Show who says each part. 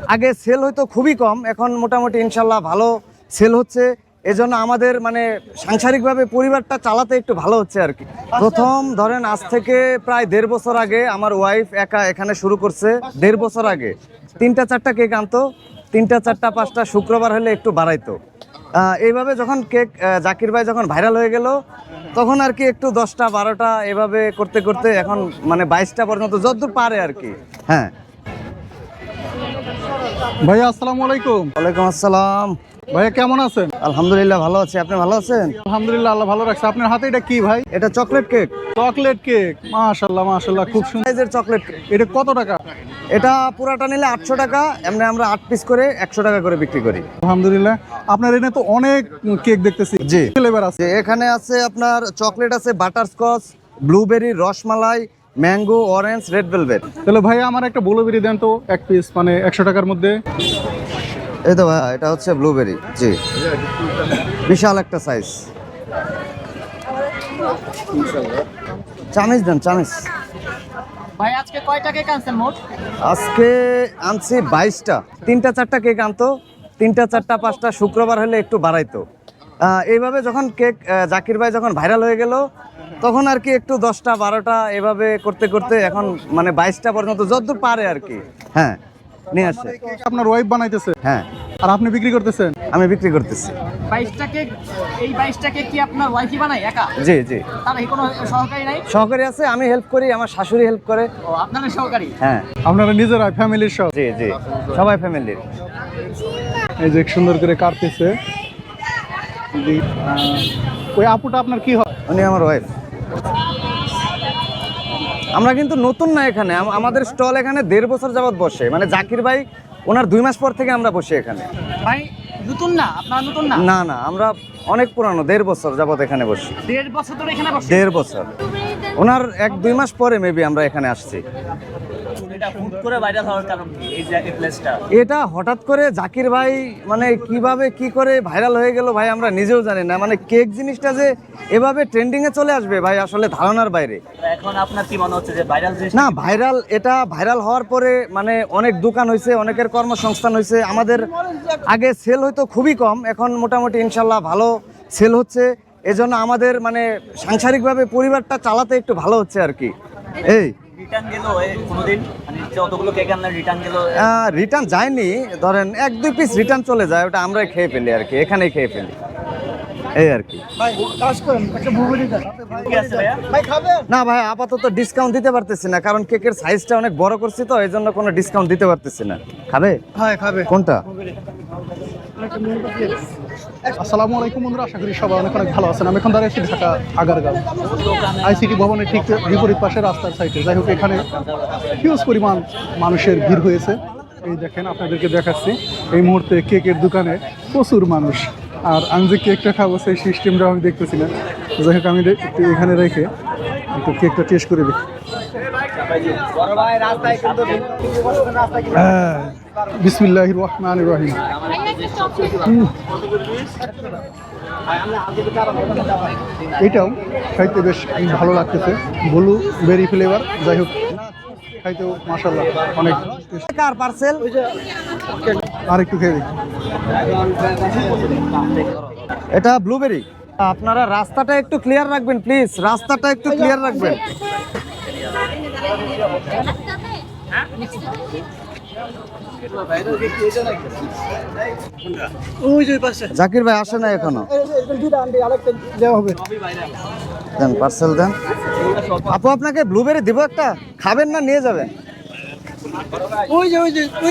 Speaker 1: আগে সেল হয়তো খুবই কম, এখন মোটামুটি ইনশাল্লাহ ভালো সেল হচ্ছে। এজন্য আমাদের মানে সাংসারিকভাবে পরিবারটা চালাতে একটু ভালো হচ্ছে আর কি। প্রথম ধরেন আজ থেকে প্রায় 1.5 বছর আগে আমার ওয়াইফ একা এখানে শুরু করছে। 1.5 বছর আগে 3টা 4টা কেক আনতো, 3টা 4টা 5টা শুক্রবার হলে একটু বাড়াইতো। এইভাবে যখন কেক জাকির ভাই যখন ভাইরাল হয়ে গেল, তখন আর কি একটু 10টা 12টা এভাবে করতে করতে এখন মানে 22টা পর্যন্ত যতদূর পারে আর কি। হ্যাঁ
Speaker 2: ভাইয়া আসসালামু আলাইকুম।
Speaker 1: ওয়ালাইকুম আসসালাম।
Speaker 2: ভাইয়া কেমন আছেন?
Speaker 1: আলহামদুলিল্লাহ ভালো আছি, আপনি ভালো আছেন?
Speaker 2: আলহামদুলিল্লাহ, আল্লাহ ভালো রাখছে। আপনার হাতে এটা কি ভাই?
Speaker 1: এটা চকলেট কেক,
Speaker 2: চকলেট কেক। মাশাআল্লাহ মাশাআল্লাহ, খুব সুন্দর
Speaker 1: সাইজের চকলেট কেক।
Speaker 2: এটা কত টাকা?
Speaker 1: এটা পুরাটা নিলে 800 টাকা, এমনি আমরা 8 পিস করে 100 টাকা করে বিক্রি করি।
Speaker 2: আলহামদুলিল্লাহ। আপনার এখানে তো অনেক কেক দেখতেছি।
Speaker 1: জি।
Speaker 2: ফ্লেভার আছে?
Speaker 1: এখানে আছে আপনার চকলেট আছে, butterscotch, blueberry, rasmalai, mango, orange, red velvet.
Speaker 2: তাহলে ভাইয়া আমার একটা ব্লুবেরি দেন তো, এক পিস, মানে 100 টাকার মধ্যে।
Speaker 1: এই তো ভাই, এটা হচ্ছে ব্লুবেরি। জি, বিশাল একটা সাইজ। চামিচ দেন, চামিচ।
Speaker 3: ভাই আজকে কয়টা কেক আনছেন মোট?
Speaker 1: আজকে আনছি 22টা। 3টা 4টা কেক আনতো, 3টা 4টা 5টা শুক্রবার হলে একটু বাড়াইতো। এইভাবে যখন কেক জাকির ভাই যখন ভাইরাল হয়ে গেল, তখন আর কি একটু 10টা 12টা এভাবে করতে করতে এখন মানে 22টা পর্যন্ত যতদূর পারে আর কি। হ্যাঁ, নিয়ে আসে।
Speaker 2: কেক আপনার ওয়াইফ বানাইতেছে
Speaker 1: হ্যাঁ,
Speaker 2: আর আপনি বিক্রি করতেছেন?
Speaker 1: আমি বিক্রি করতেছি।
Speaker 3: 22টা কেক, এই 22টা কেক কি আপনার ওয়াইফই বানায় একা?
Speaker 1: জি জি,
Speaker 3: তার কোনো সহকারী নাই?
Speaker 1: সহকারী আছে, আমি হেল্প করি, আমার শাশুড়ি হেল্প করে।
Speaker 3: ও আপনাদের সহকারী?
Speaker 1: হ্যাঁ
Speaker 2: আপনারা নিজেরা ফ্যামিলির সব?
Speaker 1: জি জি, সবাই ফ্যামিলির।
Speaker 2: এই যে সুন্দর করে কাটতেছে। ওই আপুটা আপনার কি হয়?
Speaker 1: উনি আমার ওয়াইফ। আমরা কিন্তু নতুন না এখানে, আমাদের স্টল এখানে 1.5 বছর যাবত বসে, মানে জাকির ভাই ওনার 2 মাস পর থেকে আমরা বসি এখানে।
Speaker 3: ভাই নতুন না, আপনারা নতুন না?
Speaker 1: না না, আমরা অনেক পুরানো, 1.5 বছর যাবত এখানে বসি।
Speaker 3: 1.5 বছর ধরে এখানে বসে?
Speaker 1: 1.5 বছর। ওনার 1-2 মাস পরে মেবি আমরা এখানে আসছি।
Speaker 3: এটা হুট করে ভাইরাল হওয়ার কারণ কি এই যে প্লেসটা?
Speaker 1: এটা হঠাৎ করে জাকির ভাই মানে কিভাবে কি করে ভাইরাল হয়ে গেল ভাই, আমরা নিজেও জানি না। মানে কেক জিনিসটা যে এভাবে ট্রেন্ডিং এ চলে আসবে ভাই, আসলে ধারণার বাইরে।
Speaker 3: এখন আপনার কি মনে হচ্ছে যে ভাইরাল জিনিস?
Speaker 1: না, ভাইরাল, এটা ভাইরাল হওয়ার পরে মানে অনেক দোকান হয়েছে, অনেকের কর্মসংস্থান হয়েছে। আমাদের আগে সেল হয়তো খুবই কম, এখন মোটামুটি ইনশাল্লাহ ভালো সেল হচ্ছে। এজন্য আমাদের মানে সাংসারিকভাবে পরিবারটা চালাতে একটু ভালো হচ্ছে আর কি। এই
Speaker 3: রিটার্ন গেল কোনোদিন, মানে যতগুলো কেক আনলেন রিটার্ন গেল?
Speaker 1: রিটার্ন যায়নি, ধরেন 1-2 পিস রিটার্ন চলে যায়, ওটা আমরাই খেয়ে ফেলি আর কি, এখানেই খেয়ে ফেলি, এই আর কি।
Speaker 3: কি আছে ভাইয়া?
Speaker 1: না ভাই, আপাতত ডিসকাউন্ট দিতে পারতেছি না, কারণ কেকের সাইজটা অনেক বড় করছি তো, এই জন্য কোনো ডিসকাউন্ট দিতে পারতেছি না। খাবে?
Speaker 2: হ্যাঁ খাবে।
Speaker 1: কোনটা?
Speaker 2: আসসালামু আলাইকুম বন্ধুরা, আশা করি সবাই অনেক অনেক ভালো আছেন। আমি এখন দাঁড়িয়ে আছি ঢাকা আগারগাঁও আইসিটি ভবনের ঠিক বিপরীত পাশে রাস্তার সাইডে। যাই হোক, এখানে হিউজ পরিমাণ মানুষের ভিড় হয়েছে। এই দেখেন, আপনাদেরকে দেখাচ্ছি, এই মুহূর্তে কেকের দোকানে প্রচুর মানুষ। আর আমি যে কেকটা খাবো সেই সিস্টেমটা আমি দেখতেছি না। যাই হোক, আমি একটু এখানে রেখে একটু কেকটা টেস্ট করে দেখি। বিসমিল্লাহির রহমানির রহিম। এটাও খাইতে বেশ ভালো লাগতেছে, ব্লু বেরি ফ্লেভার। যাই হোক, খাইতেও মাশাআল্লাহ অনেক।
Speaker 1: কার পার্সেল?
Speaker 2: আর একটু খেয়ে দেখি।
Speaker 1: এটা ব্লুবেরি। আপনারা রাস্তাটা একটু ক্লিয়ার রাখবেন প্লিজ, রাস্তাটা একটু ক্লিয়ার রাখবেন। জাকির ভাই আসে না এখনো? দেন পার্সেল দেন। আপু আপনাকে ব্লুবেরি দিব একটা, খাবেন না নিয়ে যাবেন?